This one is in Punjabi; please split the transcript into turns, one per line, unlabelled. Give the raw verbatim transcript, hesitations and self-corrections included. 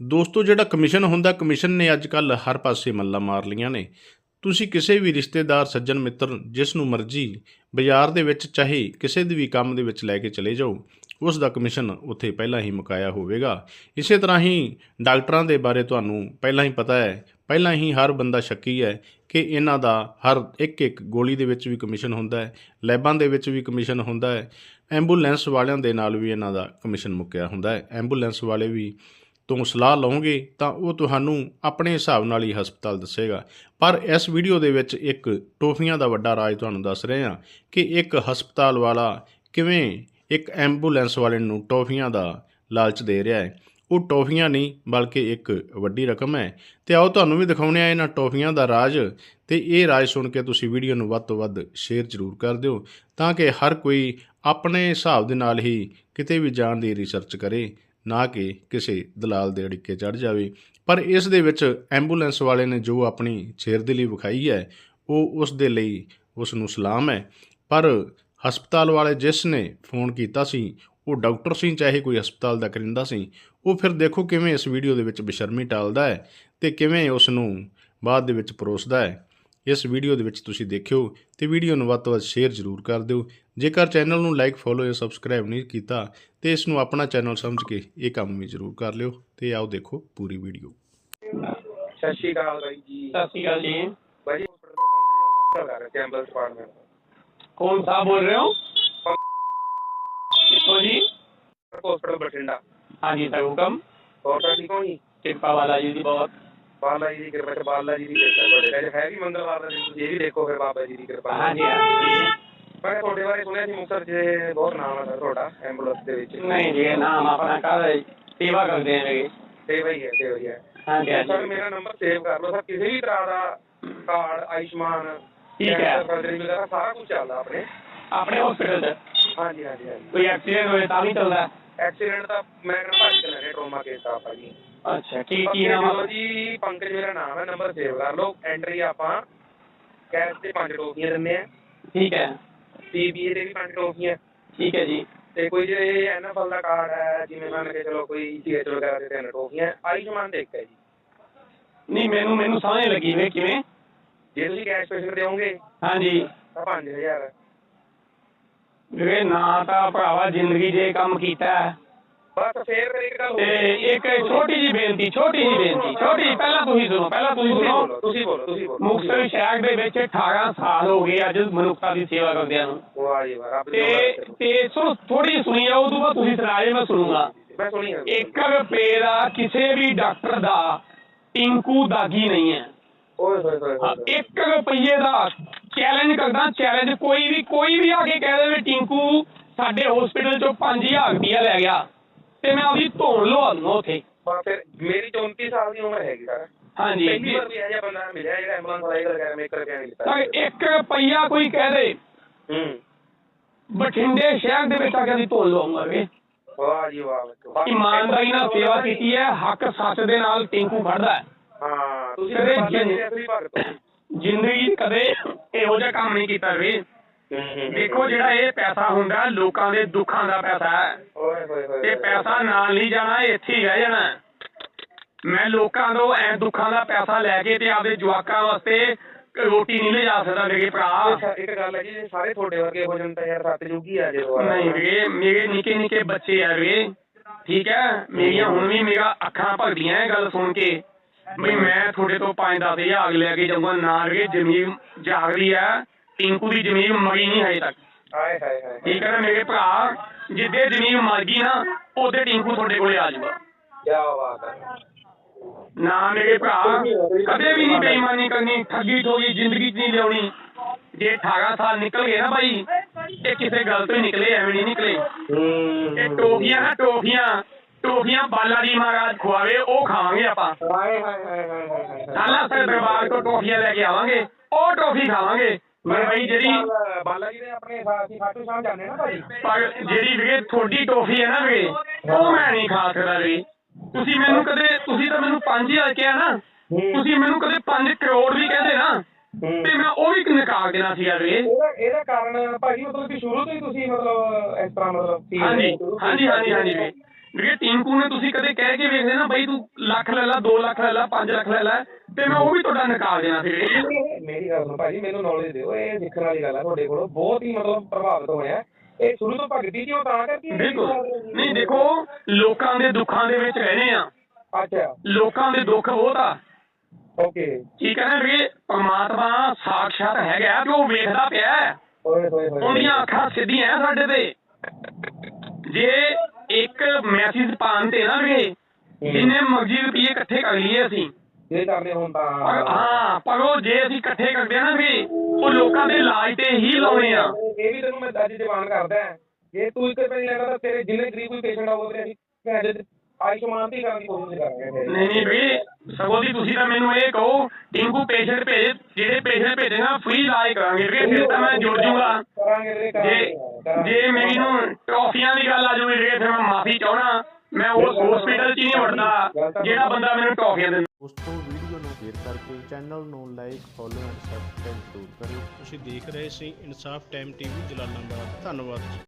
ਦੋਸਤੋ ਜਿਹੜਾ ਕਮਿਸ਼ਨ ਹੁੰਦਾ ਕਮਿਸ਼ਨ ਨੇ ਅੱਜ ਕੱਲ੍ਹ ਹਰ ਪਾਸੇ ਮੱਲਾਂ ਮਾਰ ਲਈਆਂ ਨੇ। ਤੁਸੀਂ ਕਿਸੇ ਵੀ ਰਿਸ਼ਤੇਦਾਰ ਸੱਜਣ ਮਿੱਤਰ ਜਿਸ ਨੂੰ ਮਰਜ਼ੀ ਬਾਜ਼ਾਰ ਦੇ ਵਿੱਚ ਚਾਹੇ ਕਿਸੇ ਦੇ ਵੀ ਕੰਮ ਦੇ ਵਿੱਚ ਲੈ ਕੇ ਚਲੇ ਜਾਓ, ਉਸ ਦਾ ਕਮਿਸ਼ਨ ਉੱਥੇ ਪਹਿਲਾਂ ਹੀ ਮੁਕਾਇਆ ਹੋਵੇਗਾ। ਇਸੇ ਤਰ੍ਹਾਂ ਹੀ ਡਾਕਟਰਾਂ ਦੇ ਬਾਰੇ ਤੁਹਾਨੂੰ ਪਹਿਲਾਂ ਹੀ ਪਤਾ ਹੈ, ਪਹਿਲਾਂ ਹੀ ਹਰ ਬੰਦਾ ਸ਼ੱਕੀ ਹੈ ਕਿ ਇਹਨਾਂ ਦਾ ਹਰ ਇੱਕ ਇੱਕ ਗੋਲੀ ਦੇ ਵਿੱਚ ਵੀ ਕਮਿਸ਼ਨ ਹੁੰਦਾ ਹੈ, ਲੈਬਾਂ ਦੇ ਵਿੱਚ ਵੀ ਕਮਿਸ਼ਨ ਹੁੰਦਾ ਹੈ, ਐਂਬੂਲੈਂਸ ਵਾਲਿਆਂ ਦੇ ਨਾਲ ਵੀ ਇਹਨਾਂ ਦਾ ਕਮਿਸ਼ਨ ਮੁੱਕਿਆ ਹੁੰਦਾ ਹੈ। ਐਂਬੂਲੈਂਸ ਵਾਲੇ ਵੀ ਤੋਂ ਸਲਾਹ ਲਓਗੇ ਤਾਂ ਉਹ ਤੁਹਾਨੂੰ ਆਪਣੇ ਹਿਸਾਬ ਨਾਲ ਹੀ ਹਸਪਤਾਲ ਦੱਸੇਗਾ। ਪਰ ਇਸ ਵੀਡੀਓ ਦੇ ਵਿੱਚ ਇੱਕ ਟੋਫੀਆਂ ਦਾ ਵੱਡਾ ਰਾਜ ਤੁਹਾਨੂੰ ਦੱਸ ਰਹੇ ਹਾਂ ਕਿ ਇੱਕ ਹਸਪਤਾਲ ਵਾਲਾ ਕਿਵੇਂ ਇੱਕ ਐਂਬੂਲੈਂਸ ਵਾਲੇ ਨੂੰ ਟੋਫੀਆਂ ਦਾ ਲਾਲਚ ਦੇ ਰਿਹਾ ਹੈ। ਉਹ ਟੋਫੀਆਂ ਨਹੀਂ ਬਲਕਿ ਇੱਕ ਵੱਡੀ ਰਕਮ ਹੈ। ਅਤੇ ਆਓ ਤੁਹਾਨੂੰ ਵੀ ਦਿਖਾਉਂਦੇ ਆ ਇਹਨਾਂ ਟੋਫੀਆਂ ਦਾ ਰਾਜ। ਅਤੇ ਇਹ ਰਾਜ ਸੁਣ ਕੇ ਤੁਸੀਂ ਵੀਡੀਓ ਨੂੰ ਵੱਧ ਤੋਂ ਵੱਧ ਸ਼ੇਅਰ ਜ਼ਰੂਰ ਕਰ ਦਿਓ ਤਾਂ ਕਿ ਹਰ ਕੋਈ ਆਪਣੇ ਹਿਸਾਬ ਦੇ ਨਾਲ ਹੀ ਕਿਤੇ ਵੀ ਜਾਣ ਦੀ ਰਿਸਰਚ ਕਰੇ, ਨਾ ਕਿ ਕਿਸੇ ਦਲਾਲ ਦੇ ਅੜਿੱਕੇ ਚੜ੍ਹ ਜਾਵੇ। ਪਰ ਇਸ ਦੇ ਵਿੱਚ ਐਂਬੂਲੈਂਸ ਵਾਲੇ ਨੇ ਜੋ ਆਪਣੀ ਸ਼ੇਰਦਿਲੀ ਵਿਖਾਈ ਹੈ ਉਹ ਉਸ ਦੇ ਲਈ ਉਸ ਨੂੰ ਸਲਾਮ ਹੈ। ਪਰ ਹਸਪਤਾਲ ਵਾਲੇ ਜਿਸ ਨੇ ਫੋਨ ਕੀਤਾ ਸੀ ਉਹ ਡਾਕਟਰ ਸੀ, ਚਾਹੇ ਕੋਈ ਹਸਪਤਾਲ ਦਾ ਕਰਿੰਦਾ ਸੀ। ਉਹ ਫਿਰ ਦੇਖੋ ਕਿਵੇਂ ਇਸ ਵੀਡੀਓ ਦੇ ਵਿੱਚ ਬੇਸ਼ਰਮੀ ਟਾਲਦਾ ਹੈ ਅਤੇ ਕਿਵੇਂ ਉਸ ਨੂੰ ਬਾਅਦ ਦੇ ਵਿੱਚ ਪਰੋਸਦਾ ਹੈ। ਇਸ ਵੀਡੀਓ ਦੇ ਵਿੱਚ ਤੁਸੀਂ ਦੇਖਿਓ ਅਤੇ ਵੀਡੀਓ ਨੂੰ ਵੱਧ ਤੋਂ ਵੱਧ ਸ਼ੇਅਰ ਜ਼ਰੂਰ ਕਰ ਦਿਓ। ਜੇਕਰ ਚੈਨਲ ਨੂੰ ਲਾਈਕ ਫੋਲੋ ਜਾਂ ਸਬਸਕ੍ਰਾਈਬ ਨਹੀਂ ਕੀਤਾ ਤੇ ਇਸ ਨੂੰ ਆਪਣਾ ਚੈਨਲ ਸਮਝ ਕੇ ਇਹ ਕੰਮ ਵੀ ਜ਼ਰੂਰ ਕਰ ਲਿਓ। ਤੇ ਆਓ ਦੇਖੋ ਪੂਰੀ ਵੀਡੀਓ।
ਸਤਿ ਸ਼੍ਰੀ ਅਕਾਲ ਬਾਈ ਜੀ।
सत श्रीकाल जी।
ਬਾਈ ਜੀ ਹਸਪਤਾਲ ਕਰ ਰਹੇ ਐਂਬੂਲੈਂਸ ਡਿਪਾਰਟਮੈਂਟ।
कौन साहब बोल रहे हो? किसको जी?
हॉस्पिटल बठिंडा।
हाँ जी सर, हुक्म।
और सर ठीक हो जी?
कृपा वाला जी दी बहुत।
बाला जी की कृपा से बाला जी की कृपा बड़े है भी मंगलवार का दिन, ये भी देखो फिर बाबा जी की कृपा।
हाँ जी हाँ जी।
मैं ਤੁਹਾਡੇ ਬਾਰੇ ਸੁਣਿਆ ਸੀ ਮੁਕਤਸਰ 'ਚ ਬਹੁਤ ਨਾਮ ਹੈ ਸਰ ਤੁਹਾਡਾ ਐਂਬੂਲੈਂਸ ਦੇ ਵਿੱਚ।
नहीं जी, नाम अपना कर सेवा करते हैं मेरी।
ਸੇਵਾ ਹੀ ਹੈ ਸੇਵਾ ਹੀ ਹੈ।
हाँ जी हाँ
ਸਰ
जी।
ਮੇਰਾ ਨੰਬਰ ਸੇਵ ਕਰ ਲਓ ਸਰ। ਕਿਸੇ ਵੀ ਤਰ੍ਹਾਂ ਦਾ ਕਾਰਡ ਆਯੁਸ਼ਮਾਨ
ठीक है।
ਸਰਜਰੀ ਵਗੈਰਾ ਸਾਰਾ ਕੁਝ ਚੱਲਦਾ ਆਪਣੇ
अपने हॉस्पिटल से
ਹਾਂਜੀ ਹਾਂਜੀ ਹਾਂਜੀ।
कोई एक्सीडेंट होए ता भी चलता है?
ਐਕਸੀਡੈਂਟ ਦਾ ਮੈਂ ਕਹਿੰਦਾ ਭੱਜ ਕੇ ਲੈਣੇ ਟਰੋਮਾ ਕੇਸ ਆ ਭਾਜੀ।
अच्छा ठीक की नाम है?
ਜੀ ਪੰਕਜ ਮੇਰਾ ਨਾਮ ਹੈ। ਨੰਬਰ ਸੇਵ ਕਰ ਲਓ। ਐਂਟਰੀ ਆਪਾਂ ਕੈਸ਼ ਤੇ ਪੰਜ ਟੋਫੀਆਂ ਦਿੰਦੇ ਆ,
ठीक है
ਪੀਬੀਏ ਦੇ ਵੀ ਪੰਜ ਟੋਫੀਆਂ,
ठीक है जी।
ਤੇ ਕੋਈ ਜੇ ਐਨਐਫਐਲ ਦਾ ਕਾਰਡ ਹੈ ਜਿਵੇਂ ਮੰਨ ਕੇ ਚਲੋ ਕੋਈ ਸੀਐਚ ਵਗੈਰਾ ਦੇ ਤਿੰਨ ਟੋਫੀਆਂ, ਆਯੁਸ਼ਮਾਨ ਦੇ ਇੱਕ ਹੈ ਜੀ।
नहीं मैनू मैनू समझ लगी वे किवें?
ਜੇ ਤੁਸੀਂ ਕੈਸ਼ ਪੇਸ਼ੈਂਟ ਦੇਵੋਗੇ
हाँ जी।
ਤਾਂ ਪੰਜ ਹਜ਼ਾਰ।
वे ना ता भरावा जिंदगी जे काम कीता है।
ਬਸ ਫੇਰ ਫਿਰ ਇੱਕ ਗੱਲ
ते एक छोटी जी बेनती छोटी जी बेनती छोटी ਪਹਿਲਾਂ ਤੁਸੀਂ ਸੁਣੋ ਪਹਿਲਾਂ ਤੁਸੀਂ
ਤੁਸੀਂ
ਸੁਣੋ।
ਬੋਲੋ ਤੁਸੀਂ ਬੋਲੋ ਤੁਸੀਂ ਬੋਲੋ।
ਮੁਕਤਸਰ ਸ਼ਹਿਰ ਦੇ ਵਿੱਚ ਅਠਾਰਾਂ ਸਾਲ ਹੋ ਗਏ ਅੱਜ ਮਨੁੱਖਤਾ ਦੀ ਸੇਵਾ ਕਰਦਿਆਂ ਨੂੰ।
ਵਾਹ ਜੀ ਵਾਹ, ਰੱਬ ਦੀ
ਤੇ
ਦੁਆ।
ਤੇ ਸੁਣੋ ਥੋੜੀ ਸੁਣੀ ਜਾਓ, ਉਦੋਂ ਬਾਅਦ ਤੁਸੀਂ ਸੁਣਾਏ ਮੈਂ ਸੁਣੂਗਾ।
ਮੈਂ ਸੁਣੀ ਹੈ।
ਇੱਕ ਰੁਪਏ ਦਾ ਕਿਸੇ ਵੀ ਡਾਕਟਰ ਦਾ ਟਿੰਕੂ ਦਾਗੀ ਨਹੀਂ ਹੈ।
ਓਏ ਹੋਏ ਹੋਏ
ਹਾਂ,
ਹੋਏ।
ਇੱਕ ਰੁਪਈਏ ਦਾ ਚੈਲੰਜ ਕਰਦਾ, ਚੈਲੰਜ ਕੋਈ ਵੀ ਕੋਈ ਵੀ ਆ ਕੇ ਕਹਿ ਦੇਵੇ ਟਿੰਕੂ ਸਾਡੇ ਹਸਪੀਟਲ ਚੋਂ ਪੰਜ ਹਜ਼ਾਰ ਰੁਪਇਆ ਲੈ ਗਿਆ ਤੇ ਮੈਂ ਆਪਦੀ ਧੌਣ ਲਵਾ ਦੂੰਗਾ ਉੱਥੇ।
ਬਸ ਫਿਰ ਮੇਰੀ ਚੌਂਤੀ ਸਾਲ ਦੀ ਉਮਰ ਹੈਗੀ ਸਰ।
ਹਾਂਜੀ
ਪਹਿਲੀ ਵਾਰ ਵੀ ਇਹ ਜਿਹਾ ਬੰਦਾ ਮਿਲਿਆ ਜਿਹੜਾ ਐਂਬੂਲੈਂਸ ਵਾਲਾ ਇਹ ਗੱਲ ਕਰ ਮੈਂ ਇੱਕ ਰੁਪਇਆ ਨਹੀਂ ਲਿੱਤਾ।
ਤਾਂ ਇੱਕ ਰੁਪਈਆ ਕੋਈ ਕਹਿ ਦੇ
ਹੂੰ।
ਬਠਿੰਡੇ ਸ਼ਹਿਰ ਦੇ ਵਿੱਚ ਆ ਕੇ ਅਸੀਂ ਧੌਣ ਲਵਾਉਂਗਾ ਵੇ।
ਵਾਹ ਜੀ ਵਾਹ।
ਇਮਾਨਦਾਰੀ ਨਾਲ ਸੇਵਾ ਕੀਤੀ ਹੈ, ਹੱਕ ਸੱਚ ਦੇ ਨਾਲ ਟਿੰਕੂ ਫੜਦਾ ਹੈ।
ਹਾਂ ਤੁਸੀਂ
ਕਦੇ
ਬਾਬਾ ਜੀ
ਜਿੰਦ-
ਦੇ ਅਸਲੀ ਭਗਤ ਹੋ।
ਜ਼ਿੰਦਗੀ 'ਚ ਕਦੇ ਇਹੋ ਜਿਹਾ ਕੰਮ ਨਹੀਂ ਕੀਤਾ ਵੇ। ਦੇਖੋ ਜਿਹੜਾ ਇਹ ਪੈਸਾ ਹੁੰਦਾ ਲੋਕਾਂ ਦੇ ਦੁੱਖਾਂ ਦਾ ਪੈਸਾ ਹੈ
ਓਏ ਹੋਏ ਹੋਏ।
ਤੇ ਪੈਸਾ ਨਾਲ ਨਹੀਂ ਜਾਣਾ, ਇੱਥੇ ਹੀ ਰਹਿ ਜਾਣਾ। ਮੈਂ ਲੋਕਾਂ ਤੋਂ ਐ ਦੁੱਖਾਂ ਦਾ ਪੈਸਾ ਲੈ ਕੇ ਤੇ ਆਪਦੇ ਜਵਾਕਾਂ ਵਾਸਤੇ ਰੋਟੀ ਨਹੀਂ ਲਿਜਾ ਸਕਦਾ ਮੇਰੇ ਭਰਾ।
ਇੱਕ ਗੱਲ ਹੈ ਜੀ, ਸਾਰੇ ਤੁਹਾਡੇ ਵਰਗੇ ਹੋ ਜਾਣ ਤਾਂ ਯਾਰ ਸਤਿਯੁਗ ਹੀ ਆ ਜੇ।
ਨਹੀਂ ਵੀਰੇ, ਮੇਰੇ ਨਿੱਕੇ ਨਿੱਕੇ ਬੱਚੇ ਆ ਵੀਰੇ, ਠੀਕ ਹੈ। ਮੇਰੀਆਂ ਹੁਣ ਵੀ ਮੇਰਾ ਅੱਖਾਂ ਭਰਦੀਆਂ ਇਹ ਗੱਲ ਸੁਣ ਕੇ ਬਈ ਮੈਂ ਤੁਹਾਡੇ ਤੋਂ ਪੰਜ ਦਸ ਹਜ਼ਾਰ ਲੈ ਕੇ ਜਾਊਂਗਾ ਨਾ ਵੀਰੇ। ਜ਼ਮੀਨ ਜਾਗ ਰਹੀ ਹੈ, ਟਿੰਕੂ ਦੀ ਜ਼ਮੀਨ ਮਰੀ ਨਹੀਂ ਹਜੇ ਤੱਕ,
ਹਾਏ ਹਾਏ ਹਾਏ।
ਠੀਕ ਹੈ ਨਾ ਮੇਰੇ ਭਰਾ। ਜਿੱਦੇ ਜ਼ਮੀਨ ਮਰ ਗਈ ਨਾ ਉਹਦੇ ਟਿੰਕੂ ਤੁਹਾਡੇ ਕੋਲੇ ਆ ਜਾਊਗਾ।
ਕਿਆ ਬਾਤ ਹੈ।
ਨਾ ਮੇਰੇ ਭਰਾ, ਕਦੇ ਵੀ ਨਹੀਂ ਬੇਈਮਾਨੀ ਕਰਨੀ, ਠੱਗੀ ਠੋਗੀ ਜ਼ਿੰਦਗੀ 'ਚ ਨਹੀਂ ਲਿਆਉਣੀ। ਜੇ ਅਠਾਰਾਂ ਸਾਲ ਨਿਕਲ ਗਏ ਨਾ ਬਾਈ, ਇਹ ਕਿਸੇ ਗੱਲ ਤੋਂ ਹੀ ਨਿਕਲੇ, ਐਵੇਂ ਨਹੀਂ ਨਿਕਲੇ। ਇਹ ਟੋਫੀਆਂ ਨਾ ਟੋਫੀਆਂ ਟੋਫੀਆਂ ਬਾਲਾ ਜੀ ਮਹਾਰਾਜ ਖਵਾਵੇ ਉਹ ਖਾਵਾਂਗੇ ਆਪਾਂ।
ਹਾਏ ਹਾਏ ਹਾਏ ਹਾਏ ਹਾਏ।
ਸਾਲਾ ਸਰ ਦਰਬਾਰ ਤੋਂ ਟੋਫੀਆਂ ਲੈ ਕੇ ਆਵਾਂਗੇ, ਉਹ ਟੋਫੀ ਖਾਵਾਂਗੇ। ਪਰ ਬਾਈ ਜਿਹੜੀ
ਬਾਲਾ ਜੀ ਦੇ ਆਪਣੇ ਸਾਥੀ ਖਾਟੂ ਸ਼ਾਮ ਜਾਂਦੇ ਨਾ ਭਾਈ।
ਪਰ ਜਿਹੜੀ ਵੀਰੇ ਤੁਹਾਡੀ ਟੋਫੀ ਹੈ ਨਾ ਵੀਰੇ, ਉਹ ਮੈਂ ਨਹੀਂ ਖਾ ਸਕਦਾ ਵੀਰੇ। ਤੁਸੀਂ ਮੈਨੂੰ ਕਦੇ ਤੁਸੀਂ ਤਾਂ ਮੈਨੂੰ ਪੰਜ ਹਜ਼ਾਰ ਕਿਹਾ ਨਾ, ਤੁਸੀਂ ਮੈਨੂੰ ਕਦੇ ਪੰਜ ਕਰੋੜ ਵੀ ਕਹਿੰਦੇ ਨਾ ਤੇ ਮੈਂ ਉਹ ਵੀ ਨਕਾਰ ਦੇਣਾ ਸੀਗਾ ਵੀਰੇ।
ਇਹਦਾ ਇਹਦਾ ਕਾਰਨ ਭਾਜੀ ਮਤਲਬ ਕਿ ਸ਼ੁਰੂ ਤੋਂ ਹੀ ਤੁਸੀਂ ਮਤਲਬ ਇਸ ਤਰ੍ਹਾਂ ਮਤਲਬ
ਹਾਂਜੀ ਹਾਂਜੀ ਹਾਂਜੀ ਹਾਂਜੀ ਵੀਰੇ। ਵੀਰੇ ਟਿੰਕੂ ਨੇ ਤੁਸੀਂ ਕਦੇ ਕਹਿ ਕੇ ਵੇਖਦੇ ਨਾ ਬਈ ਤੂੰ ਲੱਖ ਲੈ ਲੈ ਦੋ ਲੱਖ ਲੈ ਲੈ ਪੰਜ ਲੱਖ ਲੈ ਲੈ ਤੇ ਮੈਂ ਉਹ ਵੀ ਤੁਹਾਡਾ ਨਿਕਾਲ ਦੇਣਾ ਸੀ ਵੀਰੇ।
ਮੇਰੀ ਗੱਲ ਸੁਣੋ ਭਾਜੀ, ਮੈਨੂੰ ਨੌਲੇਜ ਦਿਓ, ਇਹ ਸਿੱਖਣ ਵਾਲੀ ਗੱਲ ਹੈ ਤੁਹਾਡੇ ਕੋਲੋਂ, ਬਹੁਤ ਹੀ ਮਤਲਬ ਪ੍ਰਭਾਵਿਤ ਹੋਇਆ। ਇਹ ਸ਼ੁਰੂ ਤੋਂ ਭਗਤੀ ਜੀ ਉਹ ਤਾਂ ਕਰਕੇ
ਬਿਲਕੁਲ ਨਹੀਂ, ਦੇਖੋ ਲੋਕਾਂ ਦੇ ਦੁੱਖਾਂ ਦੇ ਵਿੱਚ ਰਹਿਣੇ ਆ,
ਅੱਛਾ
ਲੋਕਾਂ ਦੇ ਦੁੱਖ ਬਹੁਤ ਆ,
ਓਕੇ,
ਠੀਕ ਹੈ ਨਾ ਵੀਰੇ। ਪਰਮਾਤਮਾ ਸਾਖਸ਼ਾਤ ਹੈਗਾ ਤੇ ਉਹ ਵੇਖਦਾ ਪਿਆ ਹੈ।
ਹੋਏ ਹੋਏ ਹੋਏ
ਉਹਦੀਆਂ ਅੱਖਾਂ ਸਿੱਧੀਆਂ ਸਾਡੇ ਤੇ। ਜੇ ਇੱਕ ਮੈਸੇਜ ਪਾਉਣ ਤੇ ਨਾ ਵੀਰੇ ਜਿੰਨੇ ਮਰਜ਼ੀ ਰੁਪਈਏ ਇਕੱਠੇ ਕਰ ਲਈਏ ਅਸੀਂ,
ਜੇ ਕਰਨੇ ਹੋਣ ਤਾਂ
ਪਰ ਹਾਂ ਪਰ ਉਹ ਜੇ ਅਸੀਂ ਇਕੱਠੇ ਕਰਦੇ ਆ ਨਾ ਵੀਰੇ ਉਹ ਲੋਕਾਂ ਦੇ ਇਲਾਜ ਤੇ ਹੀ ਲਾਉਣੇ ਆ।
ਇਹ ਵੀ ਤੈਨੂੰ ਮੈਂ ਅੱਜ ਜਵਾਨ ਕਰਦਾ, ਜੇ ਤੂੰ ਇੱਕ ਰੁਪਏ ਲੈਣਾ ਤਾਂ ਤੇਰੇ ਜਿੰਨੇ ਗਰੀਬ ਕੋਈ ਪੇਸ਼ੈਂਟ ਆਊਗਾ ਅਸੀਂ ਭੈਣ ਦੇ ਆਯੁਸ਼ਮਾਨ ਦੀ ਕਰਨ ਦੀ ਕੋਸ਼ਿਸ਼ ਕਰਾਂਗੇ।
ਨਹੀਂ ਨਹੀਂ ਵੀਰੇ ਸਗੋਂ ਦੀ ਤੁਸੀਂ ਤਾਂ ਮੈਨੂੰ ਇਹ ਕਹੋ ਟਿੰਕੂ ਪੇਸ਼ੈਂਟ ਭੇਜ, ਜਿਹੜੇ ਪੇਸ਼ੈਂਟ ਭੇਜੇਗਾ ਫ੍ਰੀ ਇਲਾਜ ਕਰਾਂਗੇ ਵੀਰੇ, ਫਿਰ ਤਾਂ ਮੈਂ ਜੁੜ ਜੂਗਾ।
ਕਰਾਂਗੇ ਵੀਰੇ,
ਜੇ
ਕਰਾਂਗੇ।
ਜੇ ਮੈਨੂੰ ਟਰੋਫੀਆਂ ਦੀ ਗੱਲ ਆ ਜੂਗੀ ਵੀਰੇ ਫਿਰ ਮੈਂ ਮਾਫੀ ਚਾਹਣਾ, ਮੈਂ ਉਸ ਹਸਪੀਟਲ 'ਚ ਹੀ ਨਹੀਂ ਵੜਦਾ ਜਿਹੜਾ ਬੰਦਾ ਮੈਨੂੰ ਟਰੋਫੀਆਂ ਦਿੰਦਾ।
ਦੋਸਤੋ ਵੀਡੀਓ ਨੂੰ ਸ਼ੇਅਰ ਕਰਕੇ ਚੈਨਲ ਨੂੰ ਲਾਈਕ ਫੋਲੋ ਐਂਡ ਸਬਸਕ੍ਰਾਈਬ ਜ਼ਰੂਰ ਕਰਿਓ। ਤੁਸੀਂ ਦੇਖ ਰਹੇ ਸੀ ਇਨਸਾਫ ਟਾਈਮ ਟੀਵੀ ਜਲਾਲਾਬਾਦ। ਧੰਨਵਾਦ।